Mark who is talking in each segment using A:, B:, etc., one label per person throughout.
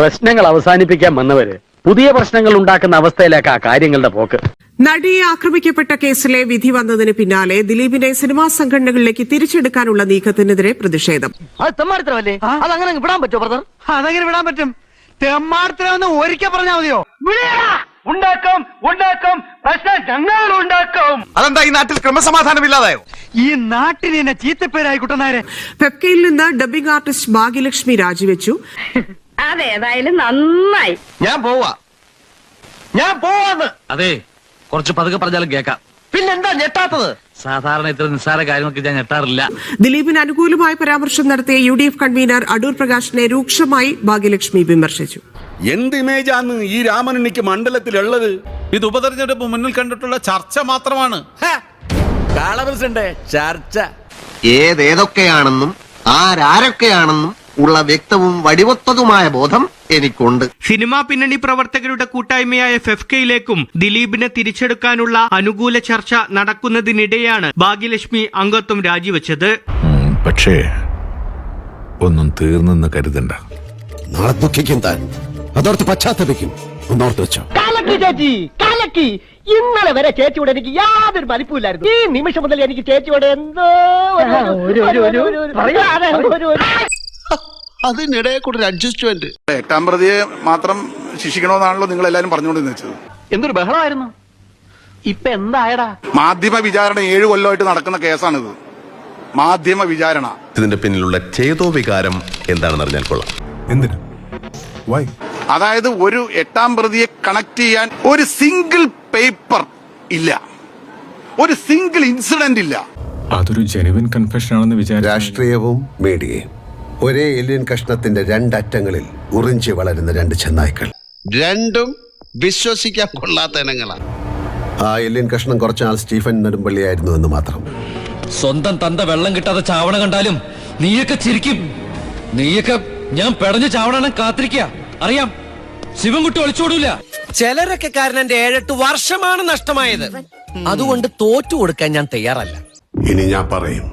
A: പ്രശ്നങ്ങൾ അവസാനിപ്പിക്കാൻ വന്നവര് പുതിയ പ്രശ്നങ്ങൾ ഉണ്ടാക്കുന്ന അവസ്ഥയിലേക്കാ കാര്യങ്ങളുടെ പോക്ക്.
B: നടിയെ ആക്രമിക്കപ്പെട്ട കേസിലെ വിധി വന്നതിന് പിന്നാലെ ദിലീപിനെ സിനിമാ സംഘടനകളിലേക്ക് തിരിച്ചെടുക്കാനുള്ള നീക്കത്തിനെതിരെ പ്രതിഷേധം.
C: അത് തെമ്മാടിത്തരമല്ലേ? അതങ്ങനെ വിടാൻ പറ്റുമോ ബ്രദർ?
D: അതെങ്ങനെ വിടാൻ പറ്റും? തെമ്മാടിത്തരമെന്ന് ഒരിക്കൽ പറഞ്ഞാൽ മതിയോ?
C: ഉണ്ടാക്കും ഉണ്ടാക്കും പ്രശ്നം ഞങ്ങൾ ഉണ്ടാക്കും.
E: അതെന്താ ഈ നാട്ടിൽ ക്രമസമാധാനമില്ലാതായോ?
D: ഈ നാട്ടിന് എന്നെ ചീത്തപ്പേരായി കുട്ടനാരെ.
B: പെപ്കയിൽ നിന്ന് ഡബ്ബിംഗ് ആർട്ടിസ്റ്റ് ഭാഗ്യലക്ഷ്മി രാജിവെച്ചു.
F: അതേതായാലും നന്നായി.
C: ഞാൻ പോവാന്ന്.
G: അതെ, കുറച്ച് പതുക്കെ പറഞ്ഞാലും കേൾക്കാം.
C: പിന്നെന്താ ഞെട്ടാത്തത്?
G: സാധാരണ ഇത്ര നിസ്സാര കാര്യങ്ങൾക്ക് ഞാൻ ഞെട്ടാറില്ല.
B: ദിലീപിന് അനുകൂലമായ പരാമർശം നടത്തിയ UDF കൺവീനർ അടൂർ പ്രകാശിനെ രൂക്ഷമായി ഭാഗ്യലക്ഷ്മി വിമർശിച്ചു.
H: എന്ത് ഇമേജാണ് ഈ രാമനുണ്ണിക്ക് മണ്ഡലത്തിലുള്ളത്?
E: ഇത് ഉപതെരഞ്ഞെടുപ്പ് മുന്നിൽ കണ്ടിട്ടുള്ള ചർച്ച മാത്രമാണ്.
H: ചർച്ച
I: ഏതൊക്കെയാണെന്നും ആരൊക്കെയാണെന്നും ഉള്ള വ്യക്തവും വടിവത്തതുമായ ബോധം എനിക്കുണ്ട്.
J: സിനിമാ പിന്നണി പ്രവർത്തകരുടെ കൂട്ടായ്മയായ ഫെഫ്കയിലേക്കും ദിലീപിനെ തിരിച്ചെടുക്കാനുള്ള അനുകൂല ചർച്ച നടക്കുന്നതിനിടെയാണ് ഭാഗ്യലക്ഷ്മി അംഗത്വം രാജിവെച്ചത്.
K: പക്ഷേ ഒന്നും തീർന്നെന്ന് കരുതണ്ട.
I: നാളെ ദുഃഖിക്കും താൻ, അതോർത്ത് പശ്ചാത്തപിക്കും. ഒന്നോർത്ത് വെച്ചോ.
C: കാലക്കി ഇന്നലെ വരെ ചേച്ചിയോട് എനിക്ക് യാതൊരു മതിപ്പില്ലായിരുന്നു. ഈ നിമിഷം മുതൽ എനിക്ക് ചേച്ചിയോട് എന്തോ
I: അതിനിടെ കൂടെ ഒരു അഡ്ജസ്റ്റ്മെന്റ്.
H: 8-ാം പ്രതിയെ മാത്രം ശിക്ഷിക്കണമെന്നാണല്ലോ നിങ്ങൾ എല്ലാരും പറഞ്ഞുകൊണ്ടിരുന്നത് വെച്ചത്.
C: എന്തൊരു ബഹളമായിരുന്നു. ഇപ്പൊ എന്തായടാ?
H: മാധ്യമ വിചാരണ 7 കൊല്ലമായിട്ട് നടക്കുന്ന കേസാണിത്. മാധ്യമ വിചാരണ.
K: ഇതിന്റെ പിന്നിലുള്ള ചേതോ വികാരം എന്താണെന്ന് അറിഞ്ഞാൽ കൊള്ളാം. എന്തിനാ? വൈ?
H: അതായത് ഒരു 8-ാം പ്രതിയെ കണക്ട് ചെയ്യാൻ ഒരു സിംഗിൾ പേപ്പർ ഇല്ല, ഒരു സിംഗിൾ ഇൻസിഡന്റ് ഇല്ല.
K: അതൊരു ജെനുവിൻ കൺഫെഷൻ ആണെന്ന് വിചാരിച്ചു.
I: രാഷ്ട്രീയവും മീഡിയയും ഒരേ എല്ലിൻ കഷ്ണത്തിന്റെ രണ്ടറ്റങ്ങളിൽ ഉറിഞ്ചി വളരുന്ന രണ്ട് ചെന്നായ്ക്കൾ. രണ്ടും വിശ്വസിക്കാൻ കൊള്ളാത്ത ഇനങ്ങളാണ്. ആ എല്ലിൻ കഷ്ണം കുറച്ചാൾ സ്റ്റീഫൻ നെടുമ്പള്ളിയായിരുന്നു എന്ന് മാത്രം.
G: സ്വന്തം തന്ത വെള്ളം കിട്ടാതെ ചാവണ കണ്ടാലും നീയൊക്കെ ചിരിക്കും. നീയൊക്കെ ഞാൻ പെടഞ്ഞു ചാവണ കാത്തിരിക്കുക. അറിയാം, ശിവൻകുട്ടി ഒളിച്ചോടൂല.
C: ചിലരൊക്കെ കാരണം എന്റെ 7-8 വർഷമാണ് നഷ്ടമായത്. അതുകൊണ്ട് തോറ്റു കൊടുക്കാൻ ഞാൻ തയ്യാറല്ല.
K: ഇനി ഞാൻ പറയും,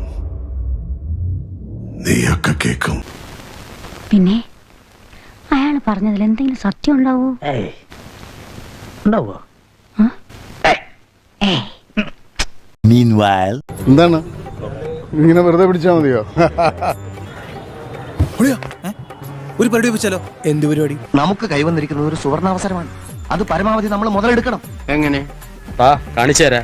K: നീയൊക്കെ കേൾക്കും.
F: പിന്നെ അയാൾ പറഞ്ഞതിൽ എന്തെങ്കിലും സത്യം ഉണ്ടാവോ?
C: ഉണ്ടാവോ?
H: എന്താണ് ഇങ്ങനെ വെറുതെ പിടിച്ചാൽ മതിയോ?
E: ഒരു പരിപാടി വെച്ചാലോ? എന്ത് പരിപാടി?
C: നമുക്ക് കൈവന്നിരിക്കുന്നത് ഒരു സുവർണാവസരമാണ്. അത് പരമാവധി നമ്മൾ മുതലെടുക്കണം.
A: എങ്ങനെ? കാണിച്ചു തരാം.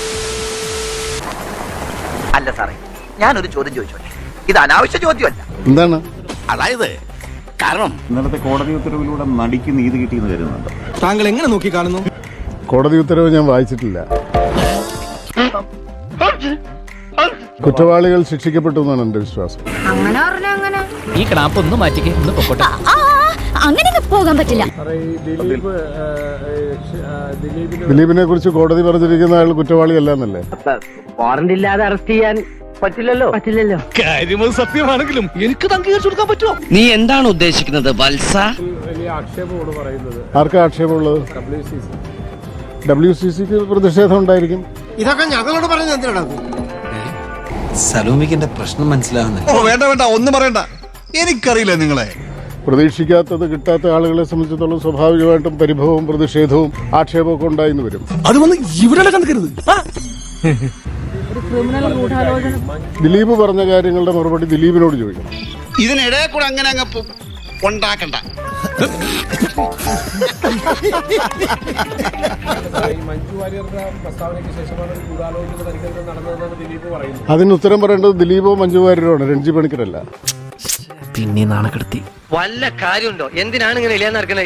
C: അല്ല സാറേ, ഞാനൊരു ചോദ്യം ചോദിച്ചോട്ടെ. ഇത് അനാവശ്യ ചോദ്യമല്ല.
H: എന്താണ്?
I: അതായത് കാരണം
K: ഇന്നലത്തെ കോടതി ഉത്തരവിലൂടെ നടിക്ക് നീതി കിട്ടിയെന്ന് കരുതുന്നുണ്ട്.
E: താങ്കൾ എങ്ങനെ നോക്കി കാണുന്നു?
H: കോടതി ഉത്തരവ് ഞാൻ വായിച്ചിട്ടില്ല. കുറ്റവാളികൾ ശിക്ഷിക്കപ്പെട്ടു എന്നാണ് എന്റെ വിശ്വാസം.
G: ഈ ക്ലാപ്പ് ഒന്ന് മാറ്റിക്കേ, ഒന്ന് പൊക്കോട്ടെ.
F: അങ്ങനെ പോകാൻ പറ്റില്ല.
H: ദിലീപിനെ കുറിച്ച് കോടതി പറഞ്ഞിരിക്കുന്ന അയാൾ കുറ്റവാളിയല്ല എന്നല്ലേ?
C: വാറന്റ് ഇല്ലാതെ അറസ്റ്റ് ചെയ്യാൻ പറ്റില്ലല്ലോ.
E: കാര്യം സത്യമാണെങ്കിലും എനിക്ക് അംഗീകരിച്ചു കൊടുക്കാൻ പറ്റുമോ?
C: നീ എന്താണ് ഉദ്ദേശിക്കുന്നത് വത്സ?
H: ആർക്കാ ആക്ഷേപമുള്ളത്? WCCക്ക് പ്രതിഷേധം ഉണ്ടായിരിക്കും.
I: ഇതൊക്കെ ഞങ്ങളോട് പറയുന്നത് എന്തിനാണ്?
E: സലോമിക്ക് എന്റെ പ്രശ്നം മനസ്സിലാവുന്നില്ല. വേണ്ട ഒന്നും പറയണ്ട, എനിക്കറിയില്ല നിങ്ങളെ.
H: പ്രതീക്ഷിക്കാത്തത് കിട്ടാത്ത ആളുകളെ സംബന്ധിച്ചിടത്തോളം സ്വാഭാവികമായിട്ടും പരിഭവവും പ്രതിഷേധവും ആക്ഷേപവും ഒക്കെ ഉണ്ടായിന്ന് വരും.
E: അത് വന്ന് ഇവിടെ കണക്കരുത്.
H: ദിലീപ് പറഞ്ഞ കാര്യങ്ങളുടെ മറുപടി ദിലീപിനോട് ചോദിക്കണം.
I: ഇതിനിടെ കൂടെ അങ്ങനെ അങ്ങ് ഉണ്ടാക്കണ്ട.
H: അതിന് ഉത്തരം പറയേണ്ടത് ദിലീപോ മഞ്ജു വാര്യരോ ആണ്, രഞ്ജി പണിക്കരല്ല.
C: പിന്നെ നാണക്കെടുത്തി വല്ല കാര്യമുണ്ടോ? എന്തിനാണ് ഇങ്ങനെ ഇല്ലാന്നറിക്കണേ?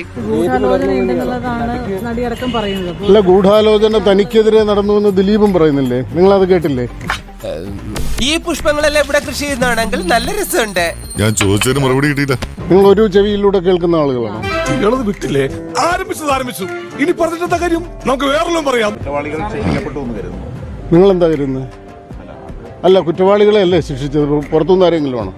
H: അല്ല, ഗൂഢാലോചന തനിക്കെതിരെ നടന്നുവെന്ന് ദിലീപും പറയുന്നില്ലേ? നിങ്ങൾ അത് കേട്ടില്ലേ?
C: ഈ പുഷ്പങ്ങളെല്ലാം ഇവിടെ കൃഷി ചെയ്യുന്നതാണെങ്കിൽ നല്ല രസമുണ്ട്.
K: ഞാൻ ചോദിച്ചതിന് മറുപടി കിട്ടിയില്ല.
H: നിങ്ങൾ ഒരു ചെവിയിലൂടെ കേൾക്കുന്ന ആളുകളാണ്.
E: വിട്ടില്ലേ? ആരംഭിച്ചു. ഇനി പറഞ്ഞിട്ടെന്താ കാര്യം? നമുക്ക് വേറെല്ലാം പറയാം.
H: നിങ്ങൾ എന്താ കരുതുന്നത്? അല്ല, കുറ്റവാളികളെ അല്ലേ ശിക്ഷിച്ചത്? പുറത്തുനിന്ന് ആരെങ്കിലും ആണോ?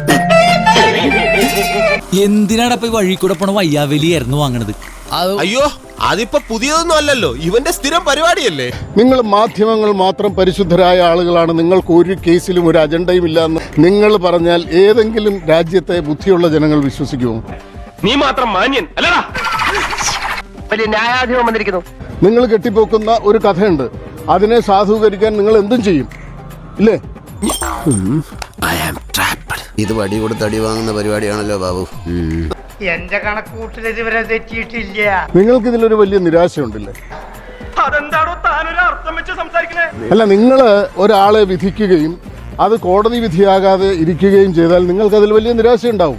G: എന്തിനാണ് ഇപ്പൊ വഴി കൂടെ പോണ വയ്യാവലിയായിരുന്നു വാങ്ങണത്?
E: അയ്യോ, അതിപ്പോ പുതിയതൊന്നും അല്ലല്ലോ, ഇവന്റെ സ്ഥിരം പരിപാടിയല്ലേ.
H: നിങ്ങൾ മാധ്യമങ്ങൾ മാത്രം പരിശുദ്ധരായ ആളുകളാണ്, നിങ്ങൾക്ക് ഒരു കേസിലും ഒരു അജണ്ടയും ഇല്ല എന്ന് നിങ്ങൾ പറഞ്ഞാൽ ഏതെങ്കിലും രാജ്യത്തെ ബുദ്ധിയുള്ള ജനങ്ങൾ വിശ്വസിക്കുമോ?
C: നീ മാത്രം മാന്യൻ അല്ലടാ. വലിയ ന്യായാധിപം വന്നിരിക്കുന്നു.
L: നിങ്ങൾ കെട്ടിപ്പോക്കുന്ന ഒരു കഥയുണ്ട്, അതിനെ സാധൂകരിക്കാൻ നിങ്ങൾ എന്തും ചെയ്യും, ഇല്ലേ?
I: ഇത് വടി കൊടുത്ത് അടി വാങ്ങുന്ന പരിപാടിയാണല്ലോ ബാബു.
D: എന്റെ കണക്കൂട്ടിൽ ഇതുവരെ തെറ്റിയിട്ടില്ല.
L: നിങ്ങൾക്ക് ഇതിലൊരു വലിയ നിരാശയുണ്ടല്ലേ?
C: അതെന്താണോ താനൊരു അർത്ഥം വെച്ച് സംസാരിക്കുന്നത്?
L: അല്ല, നിങ്ങൾ ഒരാളെ വിധിക്കുകയും അത് കോടതി വിധിയാകാതെ ഇരിക്കുകയും ചെയ്താൽ നിങ്ങൾക്ക് അതിൽ വലിയ നിരാശയുണ്ടാവും.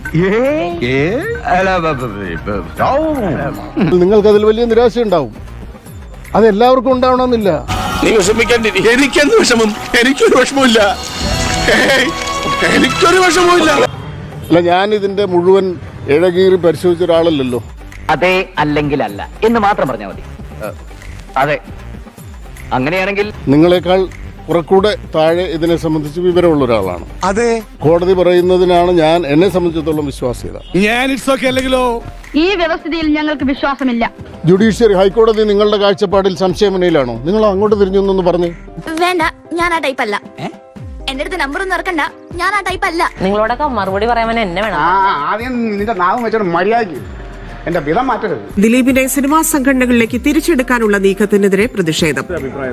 L: നിങ്ങൾക്കതിൽ വലിയ നിരാശയുണ്ടാവും. അത് എല്ലാവർക്കും ഉണ്ടാവണമെന്നില്ല.
H: നീ വിഷമിക്കേണ്ടി. എനിക്കെന്ത് വിഷമം? എനിക്കൊരു വിഷമമില്ല. എനിക്കൊരു വിഷമമില്ല.
L: അല്ല, ഞാൻ ഇതിന്റെ മുഴുവൻ ഇഴകീറി പരിശോധിച്ച ഒരാളല്ലല്ലോ.
C: അതെ അല്ലെങ്കിൽ അല്ല എന്ന് മാത്രം പറഞ്ഞാൽ മതി. അതെ, അങ്ങനെയാണെങ്കിൽ
L: നിങ്ങളെക്കാൾ കുറെക്കൂടെ താഴെ ഇതിനെ സംബന്ധിച്ച് വിവരമുള്ള ഒരാളാണ്.
E: അതെ,
L: കോടതി പറയുന്നതിനാണ് ഞാൻ എന്നെ സംബന്ധിച്ചിടത്തോളം വിശ്വാസ്യത.
E: ഞാൻ ഇറ്റ്സ് ഓക്കേ അല്ലെങ്കിലോ?
F: ഈ വ്യവസ്ഥയിൽ ഞങ്ങൾക്ക് വിശ്വാസമില്ല.
L: ജുഡീഷ്യറി, ഹൈക്കോടതി നിങ്ങളുടെ കാഴ്ചപ്പാടിൽ സംശയമനയിലാണോ? നിങ്ങൾ അങ്ങോട്ട് തിരിഞ്ഞൊന്നു പറഞ്ഞു.
F: വേണ്ട, ഞാൻ ആ ടൈപ്പ് അല്ല. എന്റെ അടുത്ത് നമ്പർ ഒന്നും ഇറക്കണ്ട, ഞാൻ ആ ടൈപ്പ് അല്ല.
C: നിങ്ങളോടൊക്കെ മറുപടി പറയാൻ എന്നെ വേണം.
D: ആദ്യം നിന്റെ നാവും വെച്ചോണ്ട് മര്യാദയ്ക്ക് എന്റെ വിധം മാറ്റരുത്.
B: ദിലീപിനെ സിനിമാ സംഘടനകളിലേക്ക് തിരിച്ചെടുക്കാനുള്ള നീക്കത്തിനെതിരെ പ്രതിഷേധം.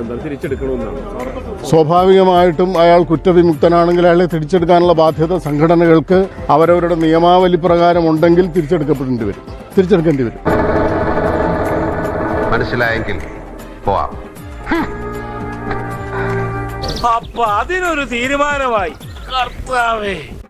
L: സ്വാഭാവികമായിട്ടും അയാൾ കുറ്റവിമുക്തനാണെങ്കിൽ അയാളെ തിരിച്ചെടുക്കാനുള്ള ബാധ്യത സംഘടനകൾക്ക് അവരവരുടെ നിയമാവലി പ്രകാരം ഉണ്ടെങ്കിൽ തിരിച്ചെടുക്കേണ്ടി വരും.
I: മനസ്സിലായെങ്കിൽ പോവാം.
C: അപ്പൊ അതിനൊരു തീരുമാനമായി. കർത്താവേ.